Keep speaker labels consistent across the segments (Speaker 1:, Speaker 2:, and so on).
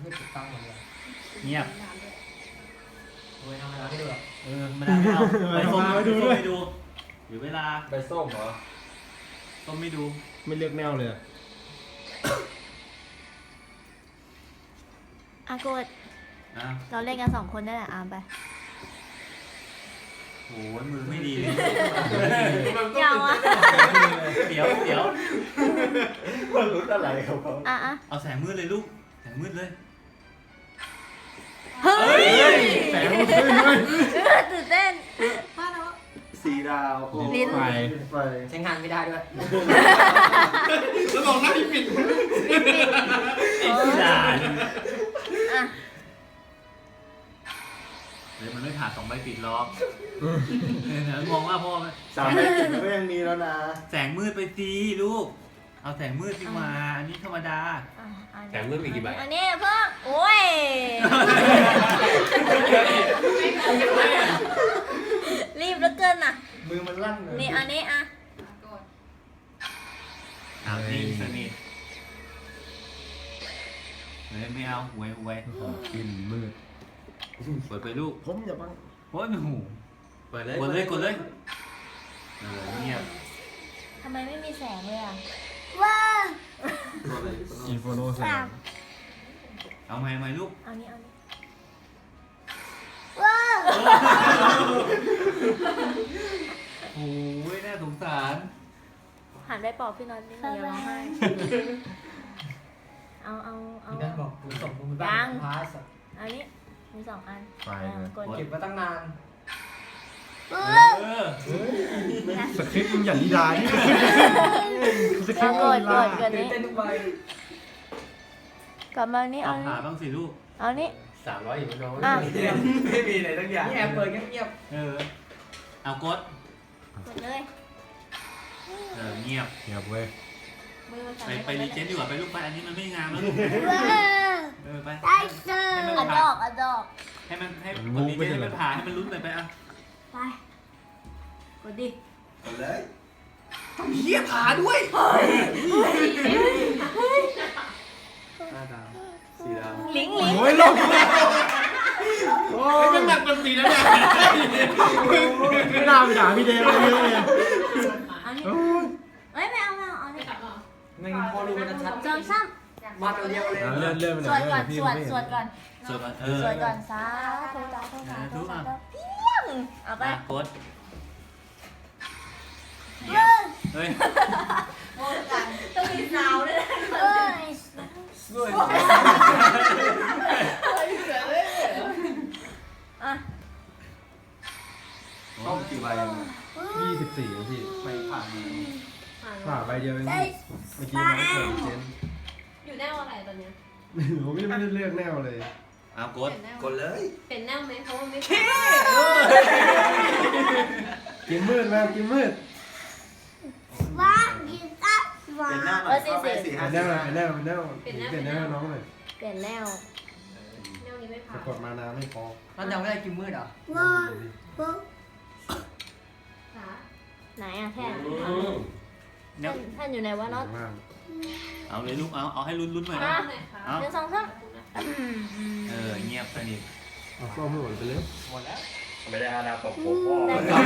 Speaker 1: ไม่ถูกต้องเลย
Speaker 2: เงียบ
Speaker 1: โอ้ยทำอะไรไม่ดูหรอก
Speaker 2: ไม่ได้ไม่เอาไปส้มไปดูด้วยดูเดี๋ยวเวลา
Speaker 3: ใบส้มเหรอ
Speaker 2: ส้มไม่ดู
Speaker 3: ไม่เลือกแนวเลย
Speaker 4: อากด
Speaker 2: อ่ะ
Speaker 4: เราเล่นกัน2 คนได้แหละอามไป
Speaker 2: โอ้ยมือไม่ดีเลย
Speaker 4: ยาวอ่ะ
Speaker 2: เดี๋ยว
Speaker 3: มันรู้อะไรครับเขา
Speaker 4: อ่ะ
Speaker 2: เอาแสงมืดเลยลูกแสงมืดเลย
Speaker 4: เฮ้ย
Speaker 3: แสงมันขึ้นด้วย
Speaker 4: ตื่นเต้น
Speaker 3: สีดาวโอ้
Speaker 4: ลิ้น
Speaker 3: ไฟ
Speaker 1: ใช้งานไม่ได้ด้วย
Speaker 3: แล้วบอกหน้าที่ปิด
Speaker 2: ไอ้ที่ด่า
Speaker 4: อ่ะ
Speaker 2: เดี๋ยวมันไม่ผ่าน2 ใบปิดล็อกเนี่ยงงว่าพ่อ
Speaker 3: 3 ใบปิดก็ยังมีแล้วนะ
Speaker 2: แสงมืดไปสิลูกเอาแสงมืดดีกว่าอันนี้ธรรมดา
Speaker 5: แถมเพิ่มอีกกี่ใบ
Speaker 4: อันนี้เพิ่มโอ้ยรีบเหลือเกินน่ะ
Speaker 3: มือมันลั่นเลย
Speaker 4: นี่อันนี้อ่ะ
Speaker 2: นิ่งสนิทเฮ้ยไม่เอาหวย
Speaker 3: กินมืด
Speaker 2: เปิดไปลูก
Speaker 3: ผมอย่าบัง
Speaker 2: โอ้ยหนู
Speaker 5: เปิดเลย
Speaker 2: กดเลยเงียบ
Speaker 4: ทำไมไม่มีแสงเลยอ่ะ
Speaker 3: อินโฟโนแสง
Speaker 2: เอาไหมลูก
Speaker 4: เอานี้เอานี้
Speaker 2: โอ้ยน่าสงสาร
Speaker 4: หันไปปอบพี่น็อตนี่หนูอย่าร้องไห้เอา
Speaker 1: พี่นั่นบอกกูส่งมึงบ้านพาส
Speaker 4: อันนี้มี2 อัน
Speaker 3: ไฟ
Speaker 4: กด
Speaker 1: เก็บมาตั้งนาน
Speaker 3: สคริปต์มึงอย่างนิดานี่สคริปต์
Speaker 4: ก
Speaker 3: มึง
Speaker 4: ด
Speaker 3: ลา
Speaker 4: กัน
Speaker 1: ตื่น
Speaker 4: นี้
Speaker 1: เต้นทุกใบ
Speaker 4: กลับมานี่
Speaker 2: เอา
Speaker 4: เอา
Speaker 2: ผ่า
Speaker 4: นี้
Speaker 2: บ้างสิลูก
Speaker 4: เอานี้
Speaker 5: 300อยู่น้อง
Speaker 4: อ่ะ
Speaker 5: ไม่มีอะไรทั้งอย่าง
Speaker 1: นี่แอบเปิดเงียบ
Speaker 2: เอากด
Speaker 4: กดเลย
Speaker 2: เงียบ
Speaker 3: เงียบเว้ย
Speaker 4: มือมันสั่น
Speaker 2: ไปรีเจนดีกว่าไปลูกไปอันนี้มันไม่งามแล้วลูกไป
Speaker 4: ได้เจออะดอกอะดอก
Speaker 2: ให้มันกดรีเจนให้มันผ่าให้มันลุ้นไปอ่ะ
Speaker 4: ไปกดดิ
Speaker 3: เลย
Speaker 2: เฮียผ่าด้วย
Speaker 3: 5 ดาว4 ดาว
Speaker 4: ลิง
Speaker 3: โอ้ยลงโอ้ย
Speaker 2: มันหนักเป็นสีแล้วเนี่ย
Speaker 3: ไม่น่าไปด่าพี่เดย์เลย
Speaker 4: เอานี้เอ้ยไม่เอาเอานี้
Speaker 1: ๆไม่งั้นพอรู้มันจะชัด
Speaker 4: จอมซ้
Speaker 1: มาตัวเดียวเลย
Speaker 3: เลื่อนเลื่อนไป
Speaker 4: ำ
Speaker 3: ห
Speaker 4: ส
Speaker 3: น่
Speaker 4: ว
Speaker 3: อย
Speaker 4: ดก่อนสวดสวดก่อน
Speaker 2: สวยก่อน
Speaker 4: สวดก่อนสาธุสาธุสาธุสาธุเพียงเอาไป
Speaker 2: กดเฮ้ย
Speaker 4: ต้องมีสาวด้วยเอ้ย
Speaker 2: ด้วย
Speaker 4: อ่ะ
Speaker 3: ต้องกี่ใบ24พี่
Speaker 2: ไปผ่าน
Speaker 3: ผ่าใบเดียวเองพี่เมื่อกี้น้องเปิดเจน
Speaker 6: อยู่แนวอะไรตอนเนี้ย
Speaker 3: ผมไม่ได้เลือกแนวเลย
Speaker 2: เอากด
Speaker 5: กดเลย
Speaker 6: เป็นแนวไหมเพราะว่าไม่
Speaker 3: กินมืดมากินมืด
Speaker 5: เป็นหน้าหน่อยเข้าไป4
Speaker 3: เป็น
Speaker 5: 5
Speaker 3: แนวเป็นแนวเป็นแนวเป็นแนวน้องเลย
Speaker 4: เปลี่ยนแล้ว
Speaker 6: แนวนี้ไม่
Speaker 3: สะ
Speaker 6: ผ่าน
Speaker 3: กดมานาไม่พอ
Speaker 1: มันยังไม่ได้กินมืดเหรอ
Speaker 6: ขา
Speaker 4: ไหนอะแท่น
Speaker 2: เนี่ย
Speaker 4: แท่นอยู่ไหนวะน็อต
Speaker 3: มาก
Speaker 2: เอาเลยลูกเอาให้ลุ้นหน่อยนะ
Speaker 6: ไหนคะ
Speaker 2: เอา
Speaker 4: เดี๋ยว2 3
Speaker 2: เงียบสนิท
Speaker 3: เอาส้มให้หมดไปเลย
Speaker 1: หมดแล้ว
Speaker 5: ไม่ได้อาณาตกผมพ่อ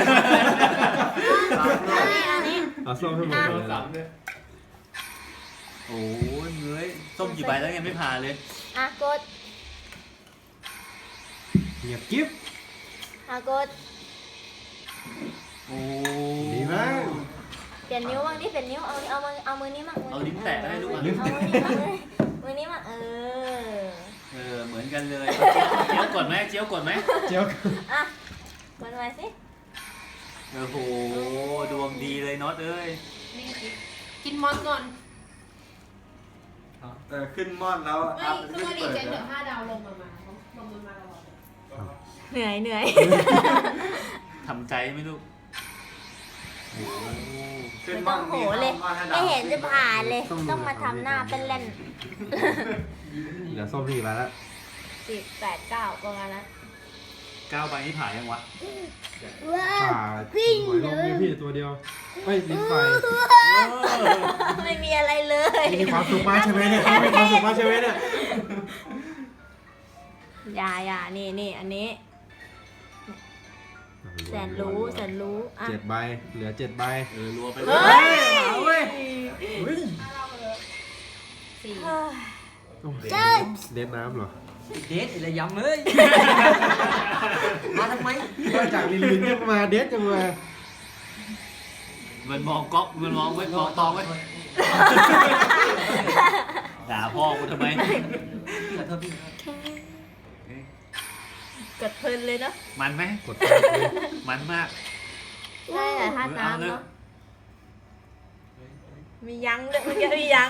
Speaker 4: อันนี้
Speaker 3: เอาส้มให้หมดไปเลย
Speaker 5: เนี่ย
Speaker 2: โอ้ยเงยส้มกี่ใบแล้วยังไม่ผ่านเลย
Speaker 4: อ่ะกด
Speaker 3: เงียบกิ๊บ
Speaker 4: อ่ะกด
Speaker 2: โอ้
Speaker 3: ดีมาก
Speaker 4: เปลี่ยนนิ้วบ้างดิเปลี่ยนนิ้วเอามือนี้มั่ง
Speaker 2: เอาลิ้นแตะให้ลูก
Speaker 4: เอา
Speaker 2: อ่ะ
Speaker 4: มือนี้มั่งเลยมือนี้มั่ง
Speaker 2: เหมือนกันเลยเจียวกดไหมเจียวกดไหม
Speaker 3: เจียว
Speaker 4: อ่ะกดไว้สิ
Speaker 2: โอ้โหดวงดีเลยน็อตเอ้ย
Speaker 6: นี่กินมอนก่อน
Speaker 3: ขึ้นม่อนแล้ว
Speaker 6: ไม่คือว่าดีเจนเดี๋ยว5 ดาวลงมาลงมาตลอด
Speaker 4: เหนื่อย
Speaker 2: ทำใจไหมลูกโอ้โห
Speaker 4: ไม่ต้องโหเลยไม่เห็นจะผ่านเลย ต้องมาทำหน้าเป็นเล่น
Speaker 3: เดี๋ยวส้มพี่มาแล้ว
Speaker 4: 10 8 9ประมาณนั้น
Speaker 2: 9 ใบนี่ผ่านยังวะ
Speaker 3: ป่าหวยลงเนี่ยพี่ตัวเดียวไม่ลิ้นไฟ
Speaker 4: ไม่มีอะไรเลย
Speaker 3: มีความสุขมากใช่ไหมเนี่ยมีความสุขมากใช่ไหมเนี่ย
Speaker 4: อย่านี่อันนี้ แสนรู้อ่ะ
Speaker 3: 7 ใบเหลือ 7 ใบ
Speaker 2: รัวไป
Speaker 4: เฮ้ย
Speaker 3: เฮ้ย
Speaker 6: สี่
Speaker 3: เด็ดน้ำเหรอ
Speaker 1: เดทอะไรย้ำเลยมาทำไม
Speaker 3: มาจากลินลินยังมาเด็ดยังมา
Speaker 2: มันมองก๊อกมันมองไว้มองตองไว้ด่าพ่อกูทำไม
Speaker 1: พี่ขอโทษพี่
Speaker 4: กดเพลินเลยเนาะ
Speaker 2: มันไหม
Speaker 3: กดไปเลย
Speaker 2: มันมาก
Speaker 4: ได้แต่ท่าน้ำ
Speaker 2: เอาเลย
Speaker 4: เนาะมียั้งด้วยเมื่อกี้มียั้ง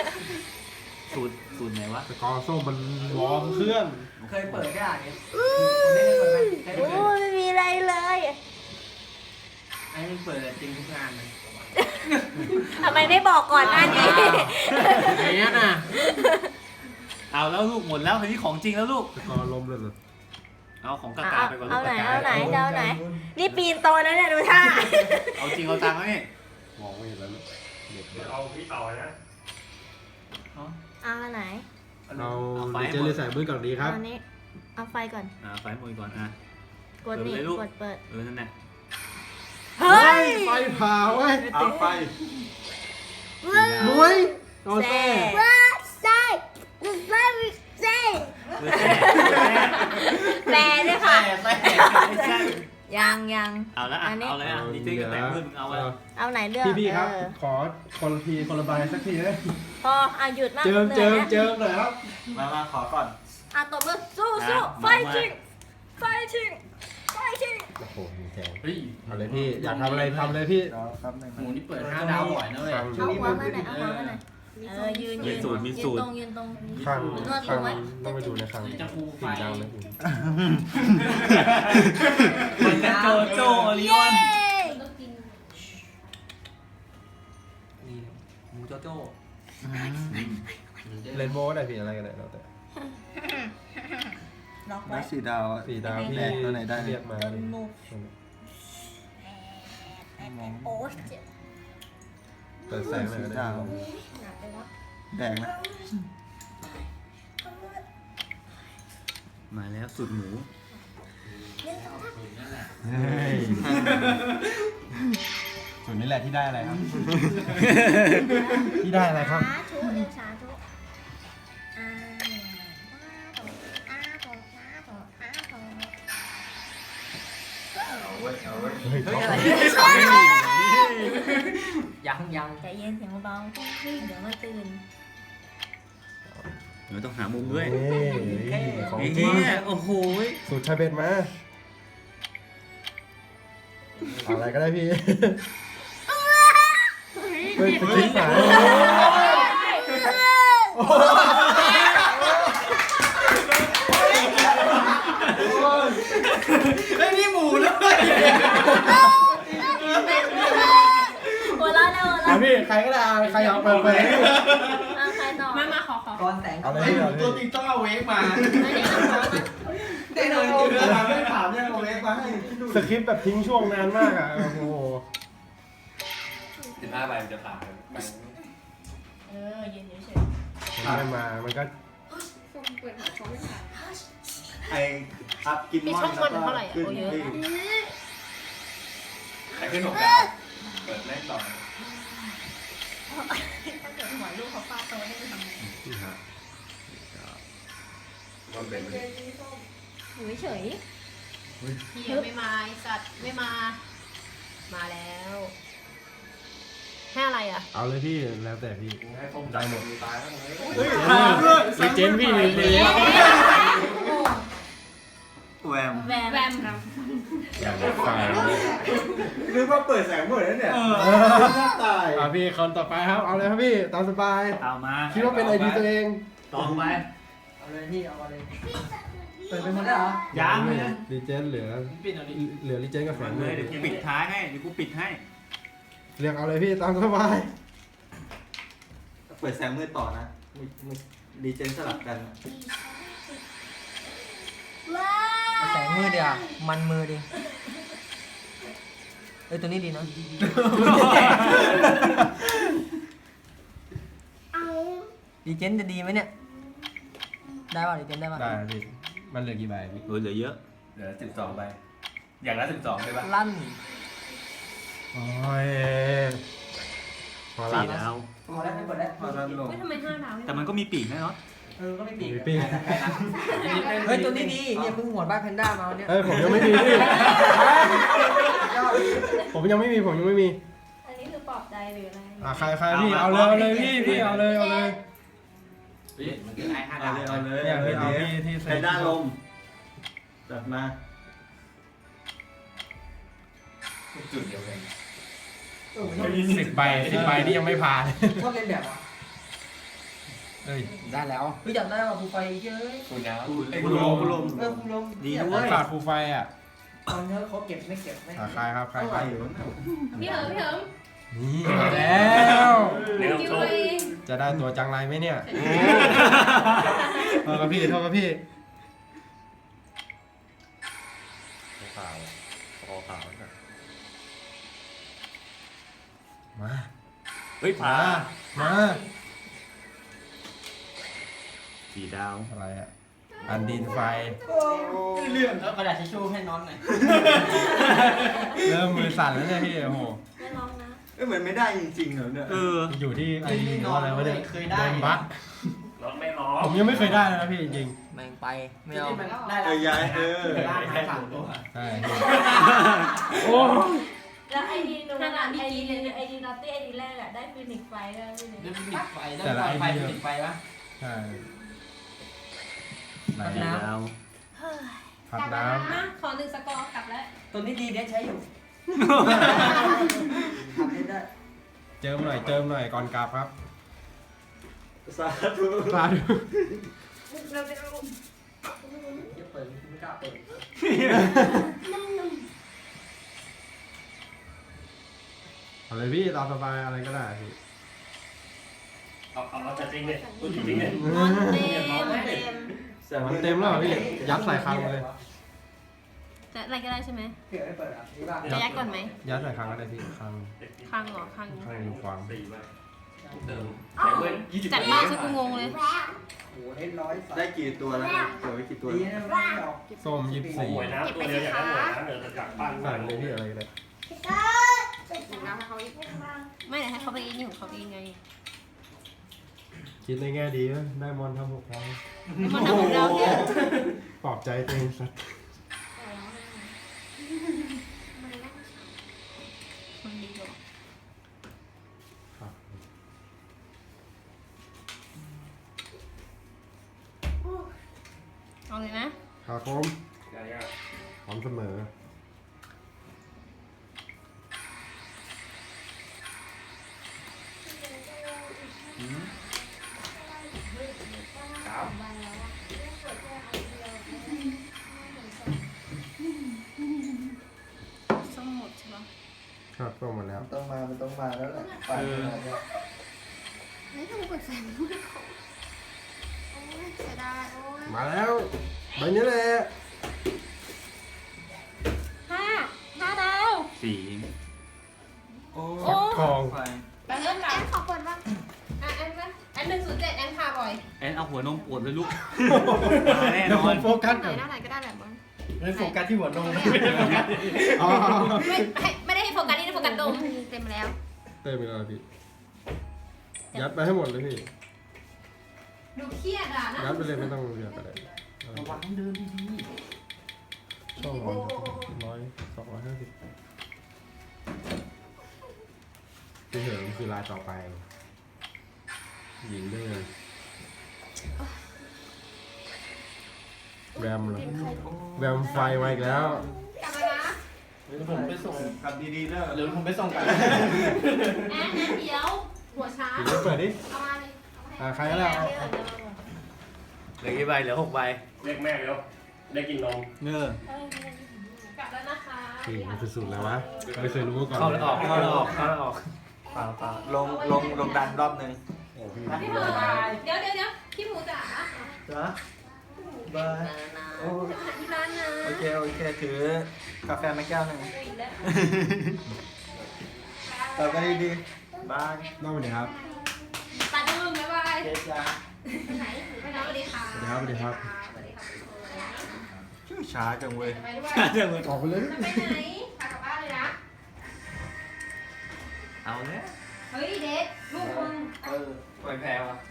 Speaker 2: สูตรไหนวะ
Speaker 3: สกอร์ส้มมันวอร์มเครื่อง
Speaker 1: เคยเปิดได้เนี่ยไม่ได้เปิดไหมเคย
Speaker 4: โอ้
Speaker 1: เปิด
Speaker 4: ไม่มีอะไรเลย
Speaker 1: ไอ้นี่เปิดจริงทุกงานเลย
Speaker 4: ทำไมไม่บอกก่อนหน้านี้
Speaker 3: ไหนน่ะ
Speaker 2: เอาแล้วลูกหมดแล้วทีนี้ของจริงแล้วลูก
Speaker 3: สกอร์ลมเลยเหรอ
Speaker 2: เอาของกากาไปก่อนลู
Speaker 4: เอา
Speaker 2: ก
Speaker 4: ไหน
Speaker 2: กากา
Speaker 4: เอาไหนจะเอาไหน นี่ปีนโตแล้วเนี่ยดูท่า
Speaker 2: เอาจริงเอาตังค์ไหม
Speaker 3: มองไม่เห็นแล้วเนี่ยเด็ด
Speaker 5: เอาพี่ต่อนะ
Speaker 4: เอาอันไหน
Speaker 3: เราดีเจเลยใส่มือก่อนดีครับ
Speaker 4: เอาอันนี้เอาไฟก่อน
Speaker 2: ไฟมือก่อน
Speaker 4: กดนี่
Speaker 2: เปิดเลยลูก
Speaker 4: กดเปิด
Speaker 2: นั่นแหละ
Speaker 4: เฮ้ย
Speaker 3: ไฟเผาเว้ย
Speaker 5: เอาไป
Speaker 3: มวยโดน
Speaker 4: แซ่
Speaker 3: แซ่
Speaker 4: แปลด้วยค่ะ
Speaker 2: ไม่ใช่
Speaker 4: ยัง
Speaker 2: เอาละเอาเลยดีเจกับแต่งมือมึงเอาไว้
Speaker 4: เอาไหนเลือก
Speaker 3: พี่ครับ
Speaker 4: เออ
Speaker 3: ขอคนละทีคนละใบสักทีนะ
Speaker 4: พอหยุดมาก
Speaker 3: เจิม
Speaker 4: หนื่อยนะ
Speaker 3: หน่อยครับ
Speaker 5: มาขอก่อน
Speaker 4: ตบมือสู้ไฟชิงไฟชิง
Speaker 3: โอ้โหมีแทง
Speaker 5: เฮ้ย
Speaker 3: เอาเลยพี่ อยากทำอะไรทำเลยพี่
Speaker 5: หมูนี่เปิด5 ดาวบ่อยนะเว้ย
Speaker 3: ข้าง
Speaker 4: เอาหัวมาหน่อยเอาหัวมาหน่อยยืนตรง
Speaker 3: ข้าง
Speaker 4: นวด
Speaker 3: ข้าง
Speaker 4: ไว้
Speaker 3: ต้องไปดูในข้าง
Speaker 5: จะฟูไฟ
Speaker 3: ติ่งดาวเลย
Speaker 2: โจโจโอริออน
Speaker 6: ต้องกิน
Speaker 1: นี่หมูโจโจ้
Speaker 3: เรนโบ้ได้พี่อะไรกันได้แล้วแต่
Speaker 4: ล็อกไว้
Speaker 7: แล้ว4 ดาวอะ
Speaker 3: 4 ดาวพี่
Speaker 7: แบกตัวไหนได้
Speaker 3: เรียกมา
Speaker 4: โดนมุกโอ้ยเจ็บ
Speaker 3: เปิดแสงหน่อยก็ได้
Speaker 4: หนักเลยเนาะ
Speaker 7: แบกนะ
Speaker 2: มาแล้วสูตรหมู
Speaker 3: เฮ้ยส่วนนี้แหละที่ได้อะไรครับ ที่ได้อะไรครับ
Speaker 4: สาธุเรียกสาธุ
Speaker 3: เฮ้ย
Speaker 1: เฮ้ยอะไรยัง
Speaker 4: ใจเย็นเสียงเบาๆเดี๋ยวมาตื่น
Speaker 2: เดี๋ยวต้องหามุมด้วย
Speaker 3: นี่ของจริ
Speaker 2: เฮ้
Speaker 3: ง
Speaker 2: ยโอ้โห
Speaker 3: สูตรชาเบ็ดมาเอาอะไรก็ได้พี่เฮ้ยไปคิดสาย
Speaker 1: เฮ้ยนี่หมูเลย
Speaker 4: หัวเราะนะหัว
Speaker 3: อ่ะ
Speaker 4: เราะ
Speaker 3: พี่ใครก็ได้เอาใครเอาไป
Speaker 4: ใครต่อ
Speaker 6: มาขอ
Speaker 1: ก่อนแต่ง
Speaker 3: เอาเลยพี่เอาเลย
Speaker 5: ตัวจริงต้องเอาเวกมา
Speaker 4: ไม่ได้เอาหัวมา
Speaker 1: ได้เลย
Speaker 5: ไม่ถามยังเอาเวกมาให้
Speaker 3: สคริปต์แบบทิ้งช่วงนานมากอ่ะ โอ้โห
Speaker 5: 15 ใบมันจะผ่าน
Speaker 4: ยืนเฉย
Speaker 3: มันไม่มา มันก็
Speaker 6: ส้มเปิดหาเขาไม่ผ่าน
Speaker 7: ไออัพกิน
Speaker 6: มี
Speaker 7: มอน
Speaker 6: ช่องมันเท่าไหร่
Speaker 7: ขึ้น
Speaker 6: โอ้เยอะ
Speaker 5: ใครขึ้น6 ดาว เปิดแม่งต่อ
Speaker 4: ถ้าเกิดหัวลูกเขาฟาดโตได้ทำไง
Speaker 5: มันเป็น
Speaker 4: อยู่เฉย
Speaker 6: เฮียไม่มาไอสัตว์ไม่มา มาแล้วให้อะไรอ่ะ
Speaker 3: เอาเลยพี่ แล้วแต่พี่
Speaker 5: ให้ส้มได้หมดตายแล้วเลย
Speaker 3: รีเจนพี่รีเจน
Speaker 7: แวม
Speaker 4: แวม
Speaker 6: แวม
Speaker 3: อย่างไฟ
Speaker 7: นึกว่าเปิดแสงหมดแล้วเนี่ยตาย
Speaker 3: พี่คนต่อไปครับ เอาเลยครับพี่ ตามสบาย
Speaker 2: เอามา
Speaker 3: คิดว่าเป็นไอดีตัวเอง
Speaker 2: ต่อไป
Speaker 1: เอาเลยพี่เอาเลยเปิดไปหมดแล้วเหรอ
Speaker 2: ยังเลย
Speaker 3: รีเจนเหลือรีเจนกับแส
Speaker 2: มาง
Speaker 3: เล
Speaker 2: เลย
Speaker 3: ย
Speaker 2: เดี๋ยวกูปิดท้ายให้เดี๋ยวกูปิดให้
Speaker 3: เรียกเอาเลยพี่ตามสบาย
Speaker 7: เปิดแสงมืดต่อนะดีเจนสลับกัน
Speaker 1: แสงมือเดียวมันมือดิตัวนี้ดีเนาะ ดีเจนจะดีไหมเนี่ย ได้ป่ะดีเจนได้ป่ะ
Speaker 3: ได้พี่มันเหลือกี่ใบพี่
Speaker 2: โอ้ยเหลือเยอะ
Speaker 5: เหลือ12ใบอย่างละ12ใช่ปะ
Speaker 1: ลั่น
Speaker 3: โอ้ยพอละ
Speaker 2: 4 ดาว
Speaker 1: พอแล้วไม่กดแล้ว
Speaker 3: พอละลง
Speaker 6: ไม่ทำไม5 ดาว
Speaker 2: แต่มันก็มีปีกนะเนาะ
Speaker 1: ก็ไม่ปีก
Speaker 3: มีปีก
Speaker 1: เฮ้ยตัวนี้ดีเนี่ยเพิ่งหัวบ้านแพนด้ามาเนี่ย
Speaker 3: เฮ้ยผมยังไม่มีพี่ผมยังไม่มี
Speaker 4: อันนี้คือปลอบใจหรืออะไร
Speaker 3: ใครพี่เอาเลยพี่เอาเลย
Speaker 7: มันคือไอ้5ดาว
Speaker 3: เอาเลยเนี่ยพี่เอาที่
Speaker 7: ใช้ด้านลมจัดมา
Speaker 5: จุดเดียวกัน
Speaker 3: 10 ใบนี่ยังไม่ผ่าน
Speaker 1: ชอบเล่นแบบอ่ะ
Speaker 3: เอ้ย
Speaker 1: ได้แล้วเฮ้ยอยากได้ว่ะภูไฟเยอะ
Speaker 5: คุณน้ำ
Speaker 7: คุณลม
Speaker 1: คุณลม
Speaker 2: ดีด้วย
Speaker 3: ขาดฟูไฟอ่ะ
Speaker 1: ตอนนี้เขาเก็บไม่เก็บไม่
Speaker 3: ใครครับใคร
Speaker 7: ไปอยู่
Speaker 6: พี่เหิม
Speaker 3: นี่มาแล้ว
Speaker 5: เดี๋ยว
Speaker 6: คิว
Speaker 5: โช
Speaker 6: ไป
Speaker 5: ว์
Speaker 3: จะได้ตัวจังไรไหมเนี่ยโทษครับพี่
Speaker 5: ขาวคอขาว
Speaker 3: มา
Speaker 2: เฮ้ยผา
Speaker 3: มา
Speaker 2: 4 ดาว
Speaker 3: อะไรอ่ะอันดินไฟ
Speaker 7: เรื่องแล้วกระดาษทิชชู่ให้น้องหน่อย
Speaker 3: เริ่มมือสั่นแล้วเนี่ยพี่โอ้โห
Speaker 4: ไม่ร้องนะ
Speaker 7: เหมือนไม่ได้จริงๆเหรอเนี่ย
Speaker 2: เออ
Speaker 3: อยู่ที่ไอ้นี่หรือว่าอะไรวะเนี่ย
Speaker 7: เคยได้
Speaker 3: โดนบั๊ก
Speaker 5: รถไม่ร้อง
Speaker 3: ผมยังไม่เคยได้เลยนะพี่จริง
Speaker 1: แม่งไปไม่เอา
Speaker 7: ได้ยาย
Speaker 3: ๆใช่พี่โอ้
Speaker 4: แล้วไอดีนูนไอดีนอตตี้ไอดีแรกอะได้ฟินิกไฟได้ฟินิก
Speaker 3: แต่ละไอเดียใช่ไหน
Speaker 2: 4 ดาว
Speaker 3: ผัดน้
Speaker 6: มาขอ1 สกอร์กลับแล้ว
Speaker 1: ตัวนี้ดีเด็ดใช้อยู่ทำได้
Speaker 3: ำเจิมหน่อยก่อนกลับครับ
Speaker 7: สาธุ
Speaker 3: สาธุ
Speaker 1: จะเปิดไม่กล้าเปิด
Speaker 3: เอาเลยพี่ตามสบายอะไรก็ได้พี่
Speaker 5: เอาจัดจริงเลยพูดจริงเลย
Speaker 6: มอนเต็ม
Speaker 3: มันเต็มแล้วเหรอพี่ยัดใส่คลังมาเลย
Speaker 6: จะอะไรก็ได้ใช่ไหม
Speaker 1: เผื่อไม่เปิดอ่ะนี่บ้าง
Speaker 6: จะยัดก่อนไหม
Speaker 3: ยัดใส่คลังก็ได้พี่คลัง
Speaker 6: ข้างเหรอข้าง
Speaker 3: อยู่ขวาง
Speaker 5: 4ใบเติมแต่เว้น20
Speaker 6: จัดมากซะกูงงเลย
Speaker 1: โอ้โหได้ร้อย
Speaker 7: ได้กี่ตัวแล้วเดี๋ยวไว้กี่ตัว
Speaker 1: ดีนะไม่ออก
Speaker 3: ส้ม
Speaker 5: หวยน้ำตัวเดียวอย่างนั้นหวยน้ำเดี๋ยวจะจับปั้น
Speaker 3: 24ใส่เลยพี่อะไรก็ได้
Speaker 6: ไม่เดี๋ยวให้เขาไปเองนี่ของเขาเองไง
Speaker 3: คิดในแง่ดีนะได้มอนทำ6ครั้ง
Speaker 6: มันทำของเราเนี่ย
Speaker 3: ปลอบใจตัวเองสัก
Speaker 6: มันดีกว่า
Speaker 3: ครับ
Speaker 6: เอาเลยนะ
Speaker 3: ครับผมพร้อมเสมอ
Speaker 6: สมุดใช่ปะ
Speaker 3: ครับก็หมดแล้ว
Speaker 1: มันต้องมาแล้วแหละไปเนี่ย
Speaker 6: ไม่ต้องกดแฟนมือเขาโอ้ยเสียดายโอ้ย
Speaker 3: มาแล้วใบนี้แหละ
Speaker 4: 5 ดาว
Speaker 2: 4
Speaker 7: โอ้
Speaker 3: ฟักทอง
Speaker 6: แล้วเริ่มแอนขอเปิดบ้างแอน107แอนพาบ่อย
Speaker 2: แอนเอาหัวนมปวดเลยลูก มาแน่น
Speaker 3: เดี๋ยว
Speaker 2: อ
Speaker 3: ผ
Speaker 2: น
Speaker 3: มโฟกัส
Speaker 6: ไหน
Speaker 3: ก่อน
Speaker 6: หน้าไหนก็ได้แบบมึง
Speaker 3: ไม่โฟกัสที่หัวนม อ๋อ
Speaker 6: ไม่ได้ให้โฟกัสนี่โฟกัสดมเต็มแล้ว
Speaker 3: เต็มไปแล้วพี่ยัดไปให้หมดเลยพี่
Speaker 6: ดูเครียดอ่ะนะ
Speaker 3: ยัดไปเลยไม่ต้องเรียกอะไร
Speaker 2: ระวังเดินดี
Speaker 3: ช่อง100 250พี่เหิมคือลายต่อไปหญิงด้วยกันแวมเหรอแวมไฟมาอีกแล้ว
Speaker 6: กลับมานะ
Speaker 7: ผมไปส่งกลับดีๆแล้วเดี๋ยวผมไปส่งกัน
Speaker 6: แอนเดี๋ยวหัวช้า
Speaker 3: หญิงเปิดดิ
Speaker 6: เอามาเลย
Speaker 3: ใครก็ได้เอา
Speaker 2: ๆเหลือกี่ใบเหลือ6 ใบ
Speaker 5: เรียกแม่เร็วได้กินนม
Speaker 2: เนื้อก
Speaker 6: ลับแล้วนะคะ
Speaker 3: พี่มันคือสูตรแล้ววะไม่เคยรู้มาก่อน
Speaker 2: เข้าแล้วออกเข้าแล้วออกเข้าแล้วออก
Speaker 7: เปล่าลงดันรอบนึง
Speaker 3: โอ้พี่
Speaker 6: พี่หมูเดี๋ยวพี่หมูจ๋า
Speaker 7: จ้ะบายโอ้
Speaker 6: จะมาที่ร้านนะ
Speaker 7: โอเคถือกาแฟมาแก้วหนึ่งต่อกันดีๆบาย
Speaker 3: นอกไปไหนครับ
Speaker 6: ตาดึงบ๊ายบาย
Speaker 7: เจ๊จ้า
Speaker 6: ไปไหนสวัสดีค่ะ
Speaker 3: สวัสดีครับ
Speaker 6: สวัสดีค่ะ
Speaker 7: ช้าจังเว้ย
Speaker 6: จะไปด้วย
Speaker 2: เดี๋ยวมึง
Speaker 3: ออกไปเลย
Speaker 6: จะไปไหนพากลับบ้านเลยนะ
Speaker 2: เอาเนี่ย
Speaker 6: เฮ้ยเด็กลูกมึง
Speaker 2: ปล่อยแพ้วะ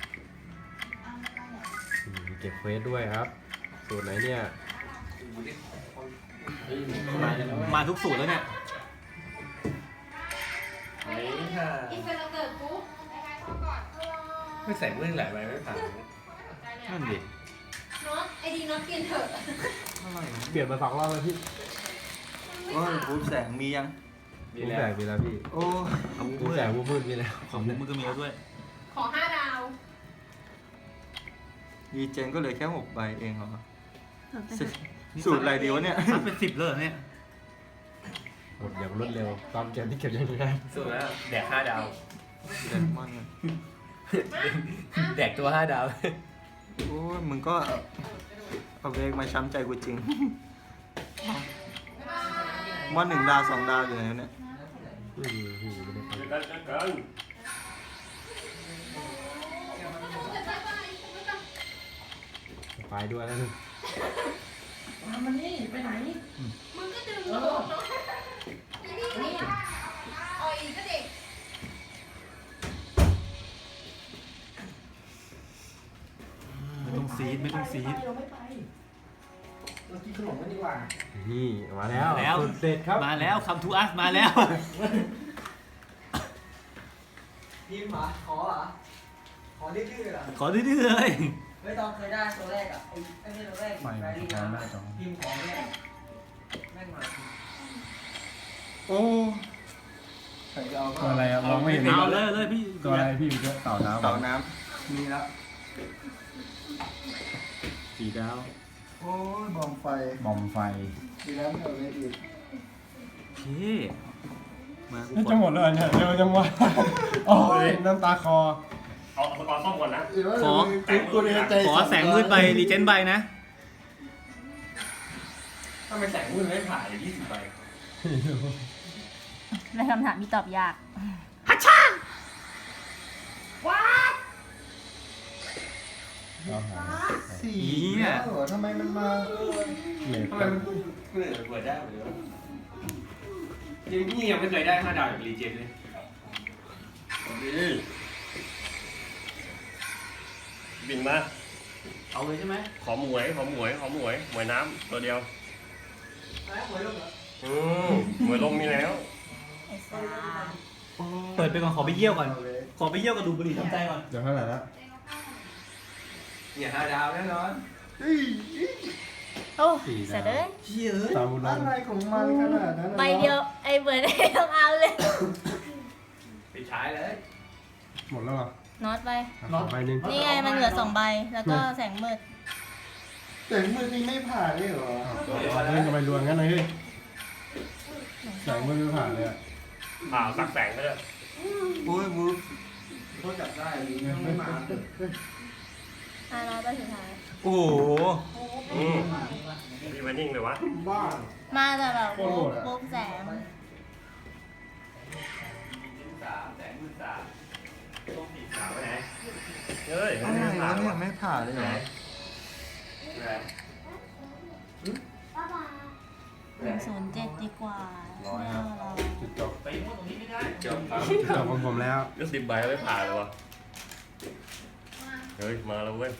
Speaker 3: เก็บเฟสด้วยครับ สูตรไหนเนี่ย
Speaker 2: มาทุกสูตรแล้วเนี่ย
Speaker 6: อีเฟนเราเกิดกูรายการช่องก่อน
Speaker 5: ไม่ใส่มือหลายใบไม่ผ่าน
Speaker 2: นั่นดิ
Speaker 6: น็อตไอดีน็อตเปลี่ยนเถอะ
Speaker 3: เปลี่ยนมา2 รอบแล้วพี่
Speaker 7: โอ้ยบูแสงมียัง
Speaker 3: รูปแบบมีแล้วพี่
Speaker 7: โอ้
Speaker 2: เอา
Speaker 3: รู
Speaker 2: มื
Speaker 3: ป
Speaker 2: อ
Speaker 3: แบบรูปมืดมีแล้ว
Speaker 2: ของมุกมึงก็มีแล้วด้วย
Speaker 6: ขอ5 ดาว
Speaker 7: ดีเจนก็เหลือแค่6 ใบเองเหรอสูตรอะไรดีวะเนี่ย
Speaker 2: มันเป็น10เลยเหรอเนี่ย
Speaker 3: หมดอย่างรวดเร็วตอนเกมที่เก็บยังไง
Speaker 5: สุดแล้วแดก5 ดาว
Speaker 7: เดนมอนเนี่ย
Speaker 5: แดกตัว 5 ดาว
Speaker 7: โอ้ยมึงก็เอาเวกมาช้ำใจกูจริงมอน1 ดาว 2 ดาวอยู่ไหนวะเนี่ย
Speaker 3: ไม่มีพี่ไม่ได้ไปด้วยแล้วนึง
Speaker 1: มันนี่ไปไหน
Speaker 6: มึงก็ดึงโดดเนาะอีนี่นี่อ่อยก็เด็ก
Speaker 2: ไม่ต้องซีดไม่ต้องซีด
Speaker 1: เราไม่ไปเรากินขนมกันดีกว่า
Speaker 3: นี่มาแล้ว
Speaker 2: มาแล้ว
Speaker 3: สูตรเด็ดครับ
Speaker 2: มาแล้วคำทูอัสมาแล้ว
Speaker 1: พิมพ์เหรอขอเหรอขอดื้อๆเหรอ
Speaker 2: ขอดื้อๆเลย
Speaker 1: ไม่ต้องเคยได้ตัวแรกอ่ะไอ้ไม่ตัวแรกแฟรี่นะพิมพ์ของเนี่ยแม่งมา
Speaker 7: โอ้ใครจะเอา
Speaker 3: ตัวอะไรอะมองไม่เห็น
Speaker 2: เอาเลยพี่
Speaker 3: ตัวอะไรพี่เยอะเต่าน้ำ
Speaker 7: เต่าน้ำมีแล้ว
Speaker 2: 4 ดาว
Speaker 7: โอ้ยบอมไฟ
Speaker 3: บอมไฟ
Speaker 7: มีแล้วไม่เอาเลยอีก
Speaker 2: โอเคมากู
Speaker 3: นี่
Speaker 2: ก
Speaker 3: จะ
Speaker 2: ด
Speaker 3: หมดเลยเนี่ยเร็วจังวะโอ้ยน้ำตาคอ
Speaker 5: เอาอุปกรณ์ซ่อมก่อนนะ
Speaker 2: ขอแสงมืดไปรีเจนใบนะ
Speaker 5: ถ้าไม่แสงมือไม่ผ่าน20 ใบ
Speaker 4: ในคำถามที่ตอบยาก
Speaker 7: สี่
Speaker 2: เนี่ย
Speaker 7: แล้วเหรอทำไมมันมา
Speaker 3: เหล็ก
Speaker 5: ทำไมมันเปิดได้หรือว่านี่ยังไม่เคยได้5 ดาวจากรีเจนเลยบินมา
Speaker 2: เอาเลยใช่ไหม
Speaker 5: ขอหมวยหมวยน้ำตัวเดียว
Speaker 1: แล้วหวยลูกเหรอ
Speaker 5: หมวยลงมีแล้ว
Speaker 4: ไอ้สา
Speaker 2: เปิดไปก่อนขอไปเยี่ยวก่อน ขอไปเยี่ยวกับดูบุหรี่ทำใจก่อน
Speaker 3: เดี๋ยวเท่าไหร่ละ
Speaker 5: เนี่ย5 ดาวแน่นอน
Speaker 4: โอ้เสร็จเลย
Speaker 7: เชี่ย
Speaker 3: ตามบุญ
Speaker 7: อะไรของมันขนาดนั้น
Speaker 4: ใบเดียวไอ้เบิร์ดต้องเอาเลย
Speaker 5: ปิดท้ายเลย
Speaker 3: หมดแล้วเหรอ
Speaker 4: น็อตไป
Speaker 3: ขอใบหนึง
Speaker 4: นี่ไงมันเหลือ2 ใบ แล้วก็แสงมืด
Speaker 7: แต่มือนี่ไม่ผ่านเลยเหรอ
Speaker 3: เล่นกันไปรวมงั้นเลยเฮ้ยแสงมือไม่ผ่านเลยอะ
Speaker 5: สักแสงก็ได้
Speaker 7: โอ้ยมือ
Speaker 1: เขาจับได้หรือไม่มา
Speaker 4: น็อตไปสุดท้าย
Speaker 7: โอ้โห
Speaker 5: มีวันนิ่งเลยวะ
Speaker 7: บ้า
Speaker 4: มาแต่แบบปุ๊บแสง
Speaker 5: แสงมืด3ต้องปิด3ไปไหนเฮ้ย
Speaker 7: อะไรวะเนี่ยไม่ผ่านเลยเหรอ
Speaker 4: 107ดีกว่า
Speaker 3: จุดจบ
Speaker 2: ไปมั่วตรงนี้ไม่ได้
Speaker 5: จบ
Speaker 3: จุดจบของผมแล้ว
Speaker 5: ก็10 ใบแล้วไม่ผ่านเลยวะเฮ้ยมาแล้วเว้ย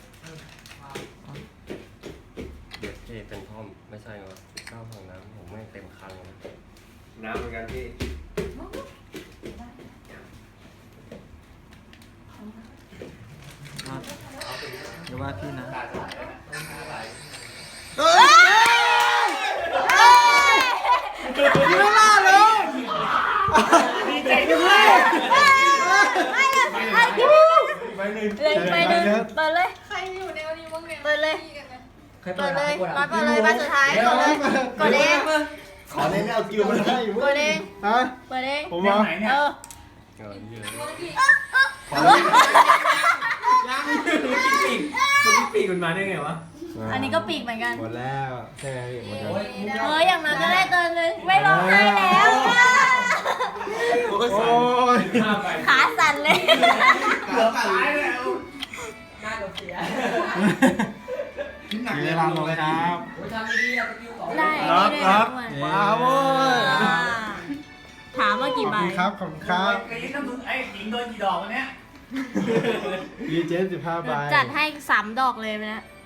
Speaker 5: เด็กที่เป็นท่อมไม่ใช่เหรอข้าวของน้ำผมไม่เต็มคันเลยน้ำเหมือนกันพี่
Speaker 7: เดี๋ยวว่าพี่นะ
Speaker 5: ดีใจด้วย
Speaker 4: เลยไปเลยเปิดเลย
Speaker 6: ใครอยู่ในวันนี้บ้างเนี่ย
Speaker 4: เปิดเลย
Speaker 1: ใคร
Speaker 4: เปิ
Speaker 1: เปิ
Speaker 4: ด
Speaker 1: ด
Speaker 4: เลย
Speaker 1: อ่ะ
Speaker 4: น็อตเปิดเลยมาสุดท้ายกดเลยกดเอง
Speaker 7: ขอเล่นเอากิวมาให้
Speaker 4: กดเอง
Speaker 3: ฮะ
Speaker 4: เปิดเอง
Speaker 3: ผม
Speaker 2: แน
Speaker 3: มาว
Speaker 2: ไหนเนี่ย
Speaker 4: เออ
Speaker 7: ขอเล่น
Speaker 5: ปีกมันมาได้ไงวะ
Speaker 4: อันนี้ก็ปีกเหมือนกัน
Speaker 3: หมดแล้วใช่ไหมพี่หมดแล้ว
Speaker 1: โอ้ยมุก
Speaker 4: เอออย่างน้อยก็ได้ตัวนึงไม่ร้องไห้แล้ว
Speaker 3: โอ้ย
Speaker 4: ขาสั่นเลย
Speaker 1: เกือบตายแล้วหน้าเราเสีย
Speaker 7: หนักเล
Speaker 2: เลย
Speaker 3: ลาลงครับ
Speaker 1: โอ้ยทำดีๆอะสกิลสอง
Speaker 6: ได้
Speaker 2: รับ
Speaker 6: ได้
Speaker 2: รับ
Speaker 6: ด้วย
Speaker 3: มาโว้ย
Speaker 6: ถามว่ากี่ใบ
Speaker 3: ครับขอบคุณครับ
Speaker 2: กรี๊ดนะมึงไอ้หญิงโดนกี่ดอกวันเนี้ย
Speaker 3: รีเจน15 ใบ
Speaker 6: จัดให้3 ดอกเลยไปนะ